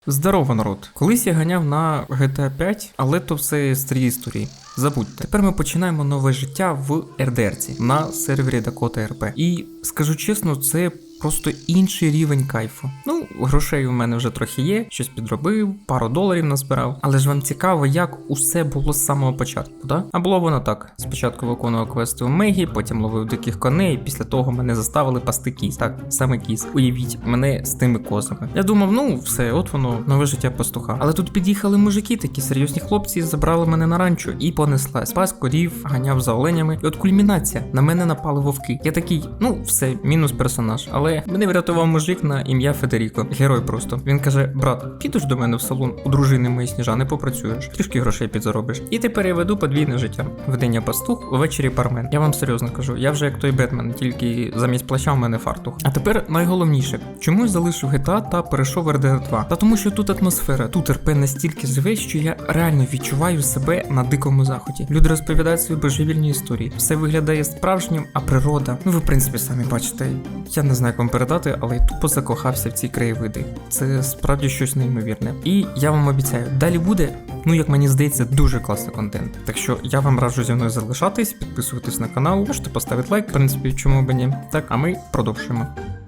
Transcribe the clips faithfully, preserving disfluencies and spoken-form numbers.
Здорово, народ! Колись я ганяв на джі ті ей п'ять, але то все старі історії. Забудьте. Тепер ми починаємо нове життя в ар ді ар-ці на сервері Dakota ар пі. І скажу чесно, це просто інший рівень кайфу. Ну, грошей у мене вже трохи є, щось підробив, пару доларів назбирав. Але ж вам цікаво, як усе було з самого початку, да? А було воно так. Спочатку виконував квести у Мегі, потім ловив диких коней, після того мене заставили пасти кіз. Так, саме кіз. Уявіть, мене з тими козами. Я думав, ну все, от воно, нове життя пастуха. Але тут під'їхали мужики, такі серйозні хлопці, забрали мене на ранчо і понесла. Спас корів, ганяв за оленями. І от кульмінація, на мене напали вовки. Я такий, ну все, мінус персонаж. Але мене врятував мужик на ім'я Федеріко. Герой просто. Він каже: брат, підеш до мене в салон, у дружини моєї Сніжани попрацюєш, трішки грошей підзаробиш. І тепер я веду подвійне життя. Вдень я пастух, увечері бармен. Я вам серйозно кажу, я вже як той Бетмен, тільки замість плаща в мене фартух. А тепер найголовніше, чому я залишив джі ті ей та перейшов в ар ді ар два? Та тому що тут атмосфера, тут ар пі настільки живе, що я реально відчуваю себе на дикому заході. Люди розповідають свої божевільні історії. Все виглядає справжнім, а природа, ну ви в принципі самі бачите. Я не знаю, як вам передати, але я тупо закохався в ці краєвиди. Це справді щось неймовірне. І я вам обіцяю, далі буде, ну як мені здається, дуже класний контент. Так що я вам раджу зі мною залишатись, підписуватись на канал, можете поставити лайк, в принципі, чому б ні. Так, а ми продовжуємо.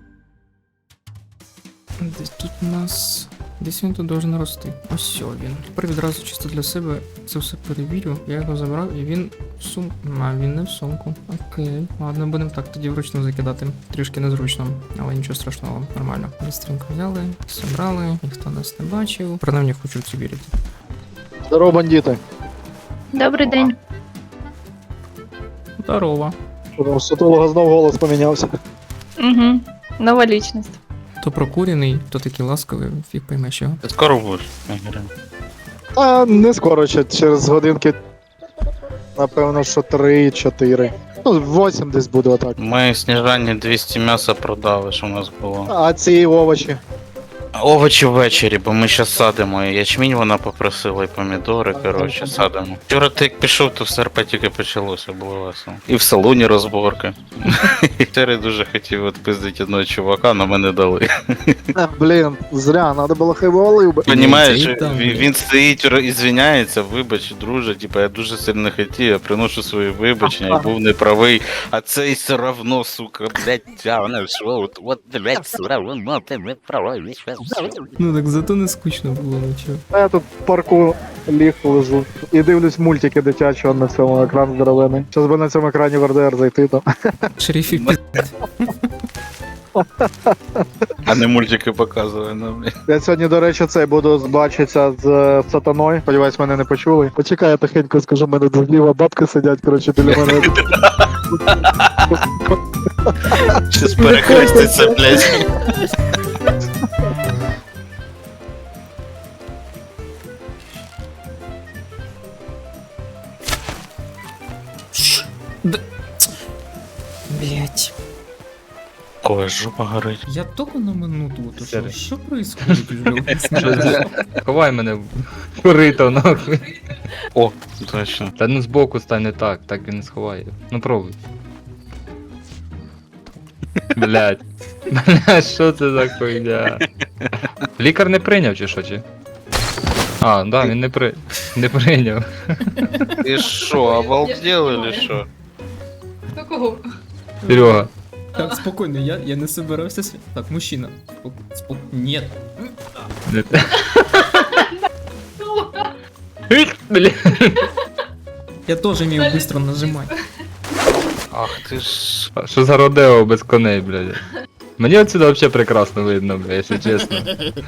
Десь тут у нас... Десь він тут должен рости. Ось він. Тепер відразу чисто для себе це все перевірю. Я його забрав і він в сумку. А, він не в сумку. Окей. Ладно, будемо так тоді вручну закидати. Трішки незручно, але нічого страшного, нормально. Бістренько взяли, зібрали, ніхто нас не бачив. Принаймні хочу в це вірити. Здорово, бандити. Добрий день. Здорово. Що там, у сутулого знов голос помінявся. Угу. Нова лічність. То прокурений, то такий ласковий, фіг поймеш його. Ти скоро будеш? Ігоря? А не скоро, ще через годинки. Напевно, що три-чотири. Ну, вісім десь буде отак. Ми Сніжані двісті м'яса продали, що у нас було. А ці овочі. Овочі ввечері, бо ми зараз садимо. І ячмінь вона попросила, і помідори, коротше, садимо. Вчора ти як пішов, то все ар пі тільки почалося, було весело. І в салоні розборки. Вчора я дуже хотів відпиздити одного чувака, але мене дали. А, блін, зря, треба було хай валив би. Понімаєш, Це і там, він, він стоїть і звиняється, вибач, друже, типа, я дуже сильно хотів, я приношу свої вибачення, я був неправий, а цей все равно, сука, блядь, тягне, що, от, от, блядь, все равно, ти не правий, Ну так зато не скучно було нічого. А я тут в парку ліг лежу. І дивлюсь мультики дитячого на цьому екрані здоровений. Щас би на цьому екрані в ар ді ар зайти там. Шерифі пі... а не мультики показує, ну, блядь. Я сьогодні, до речі, цей буду бачитися з е, сатаною. Сподіваюсь, мене не почули. Почекай, я тихенько скажу, в мене зліва бабки сидять, коротше, біля мене. Щас перехреститься, блядь. Блять. Ой, жопа горить. Я только на минуту уточнил, что происходит уже? Ховай мене в корито, нахуй. О, точно. Та ну збоку стань не так, так він не сховає. Ну пробуй. Блять. Блять, що це за хуйня? Лікар не прийняв чи що, чи? А, да, він не при... не прийняв. Ти що, обалдел или що? До кого? Серега. Так, спокойно, я, я не собирался с... Так, мужчина. Спок... Спок... Нет. Бля. Я тоже умею быстро нажимать. Ах ти ж. Що за родео без коней, блядь? Мені отсюда вообще прекрасно видно, бля, якщо чесно.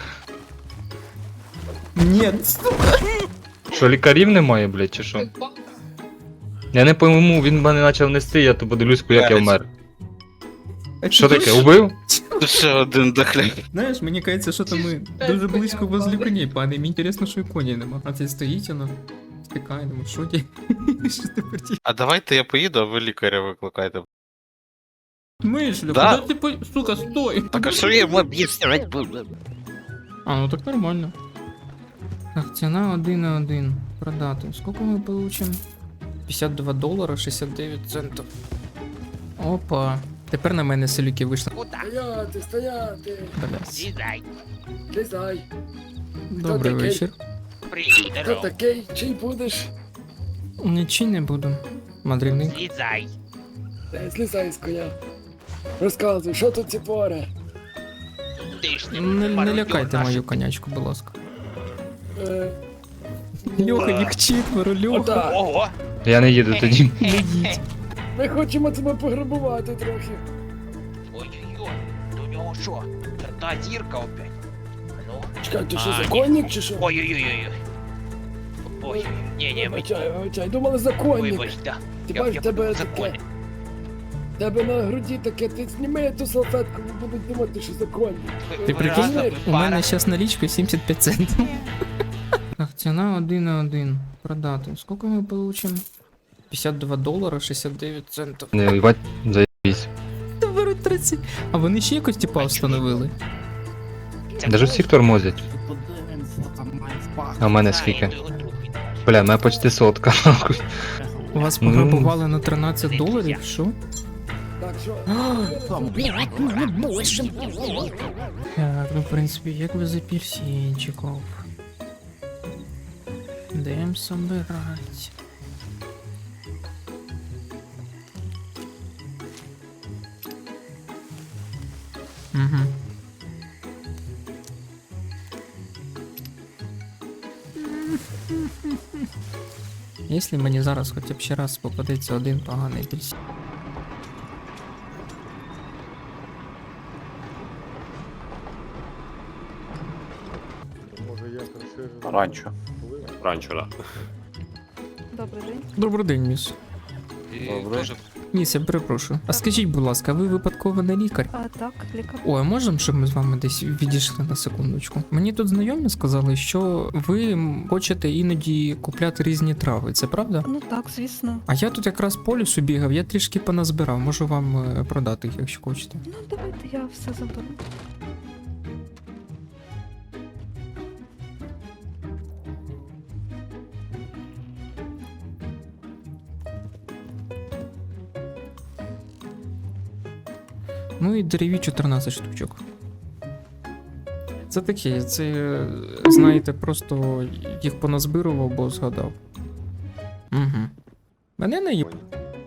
Нет. Що, лікарів немає, блядь, чи що? Я не пойму, він мене почав нести, я то подивлюсь, як я вмер. Що таке, убив? Ще один дохляк. Знаєш, мені кажеться, що то ми дуже близько возле коней падаємо. Мені інтересно, що і коні нема. А це стоїть воно, стикає, думаю, що ті? Що тепер ті? А давайте я поїду, а ви лікаря викликайте. Мишля, Да. куди ти по... Сука, стой! Так а що я йому об'яснювати буду? А, ну так нормально. Так, ціна один на один. Продати. Сколько ми получим? п'ятдесят два долара, шістдесят дев'ять центів. Опа. Тепер на мене селюки вийшли. Стояти, стояти, Блядь. злізай. Добрий такий? вечір. Привіт, Хто здорово. такий? Чий будеш? Нічий не буду. Мандрівник. Злізай. Та злізай з коня. Розказуй, що тут ці пори? Ти ж Не, не мародьор лякайте наш. мою конячку, будь ласка. Е, Льоха, їх четверо, Льоха. Отак. Ого. Я не їду тоді. Не їдь. Ми хочемо тебе пограбувати трохи. Ой-ой-ой. До нього що? Та зірка опять. Ну. Чекай, ти що, А, ні. законник чи що? Ой-ой-ой. Ой, ні, ні, ми... Вибачай, вибачай, думали законник. Вибач, да. Ти Я, бачиш, я тебе подумав, таке, законник. тебе на груді таке, ти зніми ту салфетку, будуть думати, що законник. Ти Ви прикинь, разом, ви у пара. мене зараз налічка сімдесят п'ять центів. Так, ціна один на один. Продати. Скільки ми получимо? п'ятдесят два долара, шістдесят дев'ять центів. Не, їбать, заєбісь. Та беруть тридцять. А вони ще якось типа встановили. Це Даже всіх тормозять. А в мене скільки? Знаю, то його друг він наш. Бля, мене почти сотка. У вас Ну. пограбували на тринадцять доларів, що? Так що, Так, ну в принципі, як без апельсинчиків. Даємо собирать. Угу. Якщо мені зараз хоча б ще раз попадеться один поганий апельсин. Може я красивий. Ранчо. Ранчо, да. Добрий день. Добрий день, міс. Добре. Міс, я перепрошую. А скажіть, будь ласка, ви випадково не лікар? А, так, лікар. Ой, а можемо, щоб ми з вами десь відійшли на секундочку? Мені тут знайомі сказали, що ви м, хочете іноді купляти різні трави, це правда? Ну так, звісно. А я тут якраз по лісу бігав, я трішки поназбирав, можу вам е, продати їх, якщо хочете. Ну давайте я все заберу. Ну і дереві чотирнадцять штучок. Це таке, це, е, знаєте, просто їх поназбирував, бо згадав. Угу. Мене не їб...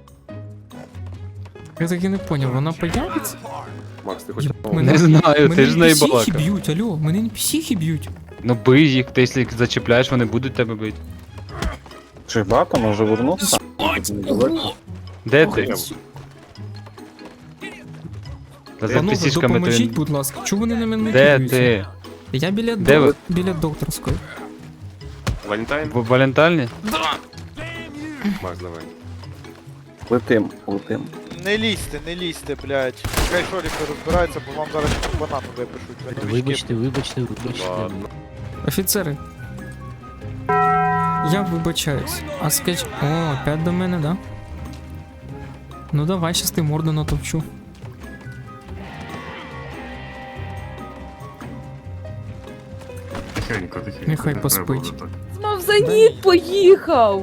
Я так і не поняв, вона появиться? Макс, ти хочеш? Єб, мене- Не знаю, мене ти ж не ен пі сі-хи балака. б'ють, алло, мене ен пі сі-хи б'ють. Ну бий їх, ти якщо їх зачіпляєш, вони будуть тебе бити. Чи багато може вернутися? Де ти? Та за Панове, пісічками допоможіть, ти... будь ласка, чого вони на мене не Де кидаються? ти? Я біля, Де док- ви? біля докторської. Валентайн? В Валентальні? Макс, давай. Летим, летим. Не лізьте, не лізьте, блядь. Хай шоріки розбираються, бо вам зараз ще банану випишуть. Ви новички. Вибачте, вибачте, вибачте. Ладно. Офіцери. Я вибачаюсь. А скажіть. О, опять до мене, да? Ну давай, щас ти морду натовчу. Тихенько, тихенько. Нехай не поспить. треба вже так. Знов за ніт поїхав.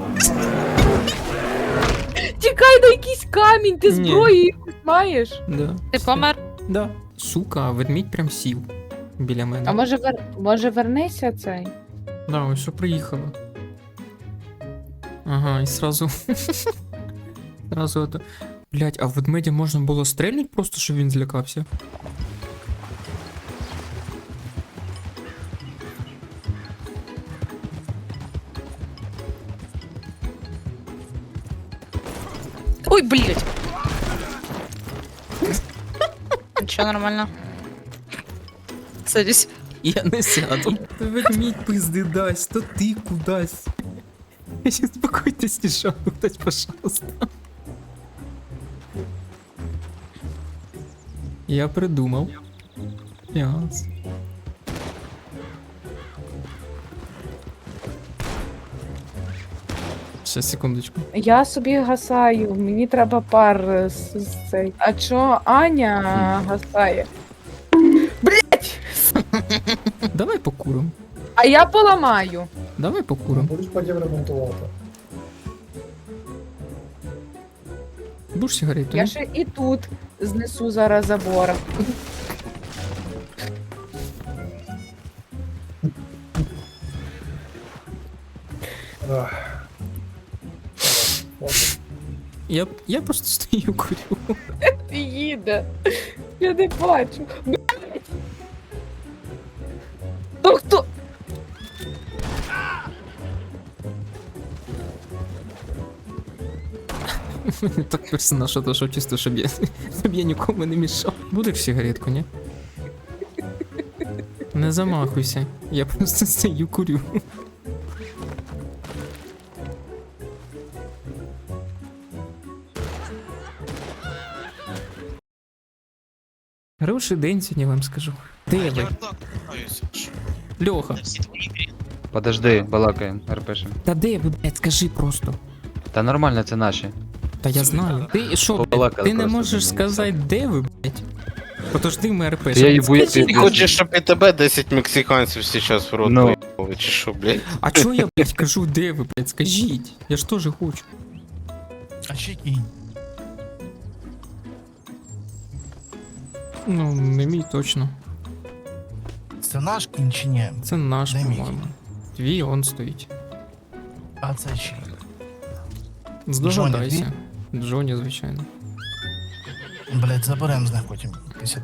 Тікай на якийсь камінь, ти Ні. зброю якусь маєш. Да. Ти помер? Да. Сука, а ведмідь прям сів біля мене. А може вер... може вернися цей? Да, ось що приїхала. Ага, і сразу. Сразу это. Блять, а в ведмедя можна було стрельнуть просто, щоб він злякався? Ой, блядь. Нічого, нормально. Садись. Я не сяду. То ведмідь пизди дасть, то ти кудась. Успокойтесь, не шахтать, пожалуйста. Я придумал. Яс. Сейчас, секундочку. Я собі гасаю, мені треба пар е, з, з цей. А чо Аня гасає? Давай покурим. А я поламаю. Давай покурим. будеш потім ремонтувати. Будеш сигарету? Я ні? ще і тут знесу зараз забор. Ах. Ладно. Я, я просто стою курю. Їде. Я не бачу. Блядь. Ну хто? Так персонаж отошов чисто, щоб я, щоб я нікому не мішав. Будеш сигаретку, ні? Не замахуйся. Я просто стою курю. Хороший день сьогодні вам скажу. Де ви? Льоха. Подожди, балакаємо, РПшем. Та де ви, блядь, скажи просто. Та нормально, це наші. Та я знаю. Ти що, блядь, Побалакали ти не просто, можеш блін, сказати, де ви, блядь? Подожди, ми РП. Та я їбу, як ти, Ти хочеш, щоб і тебе десять мексиканців зараз в рот Ну. поїхали, чи що, блядь? А чо я, блядь, кажу, де ви, блядь, скажіть? Я ж теж хочу. А ще кінь. Ну, не мій точно. Це наш кінь чи ні? Це наш, Де мій по-моєму. Твій он стоїть. А це чий? Здогадайся. Джоні, звичайно. Блять, заберем з них потім. п'ятдесят.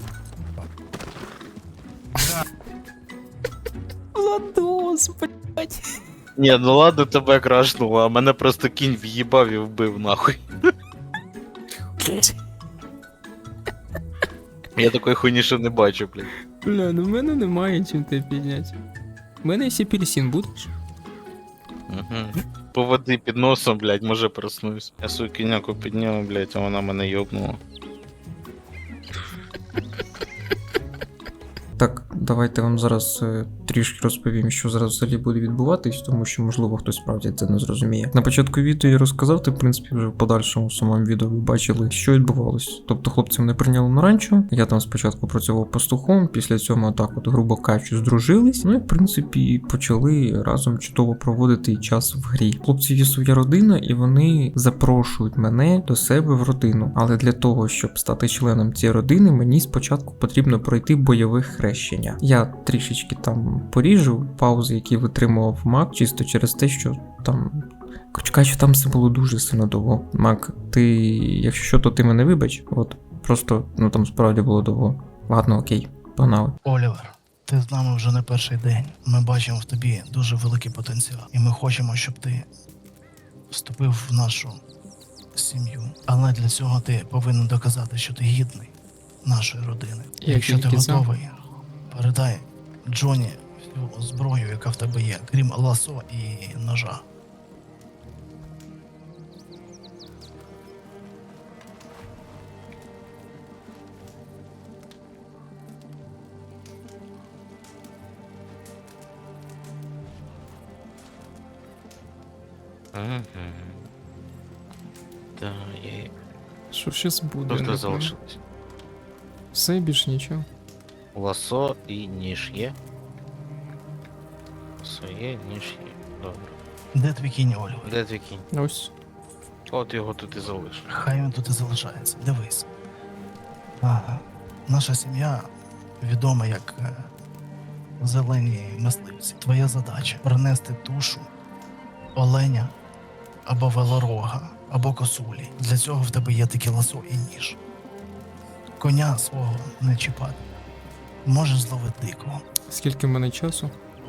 Владос, блядь. Ні, ну ладно, тебе крашнуло, а мене просто кінь в'їбав і вбив нахуй. Я такої хуйні ще не бачу, блядь. Бля, ну в мене немає чим тебе підняти. В мене ще апельсин будеш? Угу. По води під носом, блядь, може проснусь. Я свою кіняку підняв, блядь, а вона мене йобнула. Так, давайте вам зараз е, трішки розповім, що зараз взагалі буде відбуватись, тому що, можливо, хтось справді це не зрозуміє. На початку відео я розказав, ти, в принципі, вже в подальшому в самому відео ви бачили, що відбувалось. Тобто хлопці мене прийняли на ранчо, я там спочатку працював пастухом, після цього так от, грубо кажучи, здружились, ну і, в принципі, почали разом чудово проводити час в грі. Хлопці є своя родина, і вони запрошують мене до себе в родину. Але для того, щоб стати членом цієї родини, мені спочатку потрібно пройти бойове хрещення. Я трішечки там поріжу паузи, які витримував Мак, чисто через те, що там. Коротше кажучи, там все було дуже сильно довго. Мак, ти, якщо що, то ти мене вибач, от просто, ну там справді було довго. Ладно, окей, погнали. Олівер, ти з нами вже не перший день. Ми бачимо в тобі дуже великий потенціал. І ми хочемо, щоб ти вступив в нашу сім'ю. Але для цього ти повинен доказати, що ти гідний нашої родини. Я Якщо ти тільки за. готовий, передай Джоні всю зброю, яка в тебе є, крім ласо і ножа. Угу. Да, є. Що щас буде? Хто не знаю. залишилось? Все, більш нічого. Ласо і ніж є. Ласо є, ніж є. Добре. Де твій кінь, Олівер? Де твій кінь? Ось. От його тут і залиш. Хай він тут і залишається. Дивись. Ага. Наша сім'я відома як е, зелені мисливці. Твоя задача принести тушу оленя або велорога, або косулі. Для цього в тебе є такі ласо і ніж. Коня свого не чіпати. Можеш зловити дикого, Скільки в мене часу?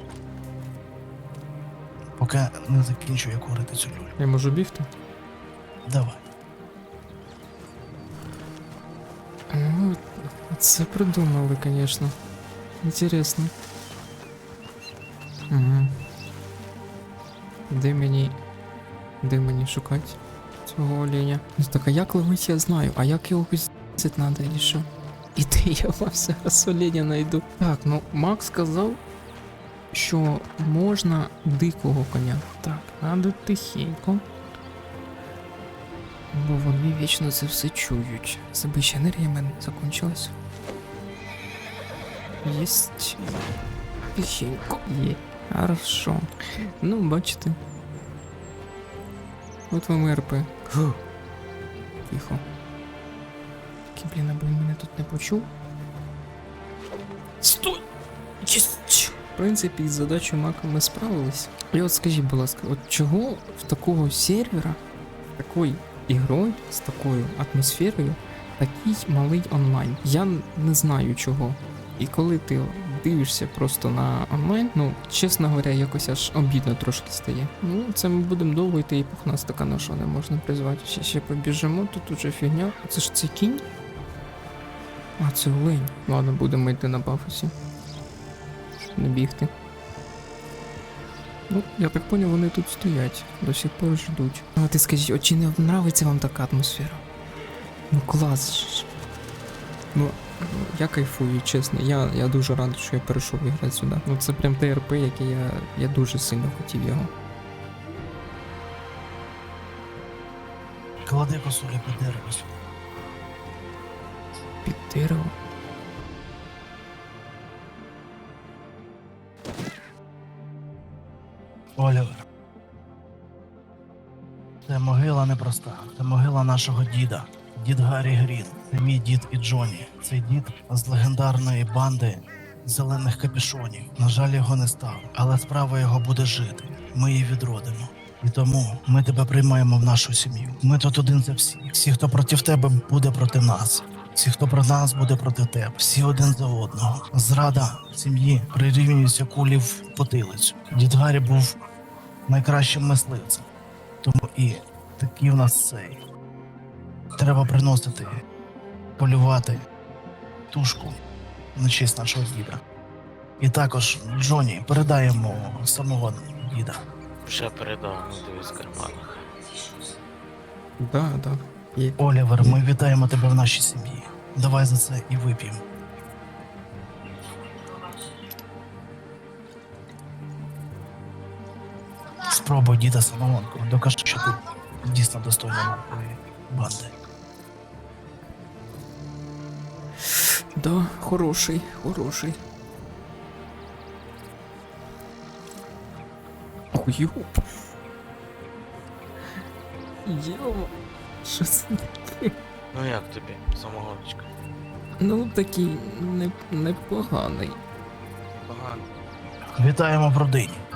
поки не закінчу я курити цю люлю. Я можу бігти? Давай. Ну, це придумали, звісно. Інтересно. Угу. Де мені. Де мені шукати цього оленя? Ну так, а як ловить, я знаю, а як його піздити треба, чи що? І де я вам зараз оленя знайду? Так, ну Макс сказав, що можна дикого коня. Так, надо тихенько. Бо вони вічно це все чують. Забища енергія в мене закінчилась. Єсть. Тихенько. Є. Хорошо. Ну, бачите. От вам і РП. Фу. Тихо. Такий, блін, аби він мене тут не почув. Стой! Єсть! В принципі, з задачою Мака ми справились. І от скажіть, будь ласка, от чого в такого сервера, такою ігрою, з такою атмосферою, такий малий онлайн? Я не знаю чого. І коли ти дивишся просто на онлайн, ну, чесно говоря, якось аж обідно трошки стає. Ну, це ми будемо довго йти, і пухнаста на що не можна призвати. Ще, ще побіжимо, тут уже фігня. Це ж це кінь? А, це олень. Ладно, будемо йти на пафосі. Щоб не бігти. Ну, я так поняв, вони тут стоять, до сих пор ждуть. А ти скажіть, от чи не нравиться вам така атмосфера? Ну клас ж. Ну, я кайфую, чесно. Я, я дуже радий, що я перейшов грати сюди. Ну це прям ТРП, який я, я дуже сильно хотів його. Клади косулю під дерево сюди. Під дерево. Олівер. Це могила непроста. Це могила нашого діда. Дід Гаррі Грін. Це мій дід і Джонні. Цей дід з легендарної банди зелених капюшонів. На жаль, його не стало. Але справа його буде жити. Ми її відродимо. І тому ми тебе приймаємо в нашу сім'ю. Ми тут один за всіх. Всі, хто проти тебе, буде проти нас. Всі, хто проти нас, буде проти тебе. Всі один за одного. Зрада в сім'ї прирівнюється кулі в потилицю. Дід Гаррі був найкращим мисливцем. Тому і такий в нас цей. Треба приносити, полювати тушку на честь нашого діда. І також Джонні передаємо самого діда. Вже передав, ну дивись в карманах. Да, да. Є. Олівер, ми вітаємо тебе в нашій сім'ї. Давай за це і вип'ємо. Спробуй діда самогонку. Докажи, що ти дійсно достойний нашої банди. Да, хороший, хороший. Ой, йоп. Йо. Що це таке? Ну як тобі, самогоночка? Ну, такий не, непоганий. Погано. Вітаємо в родині.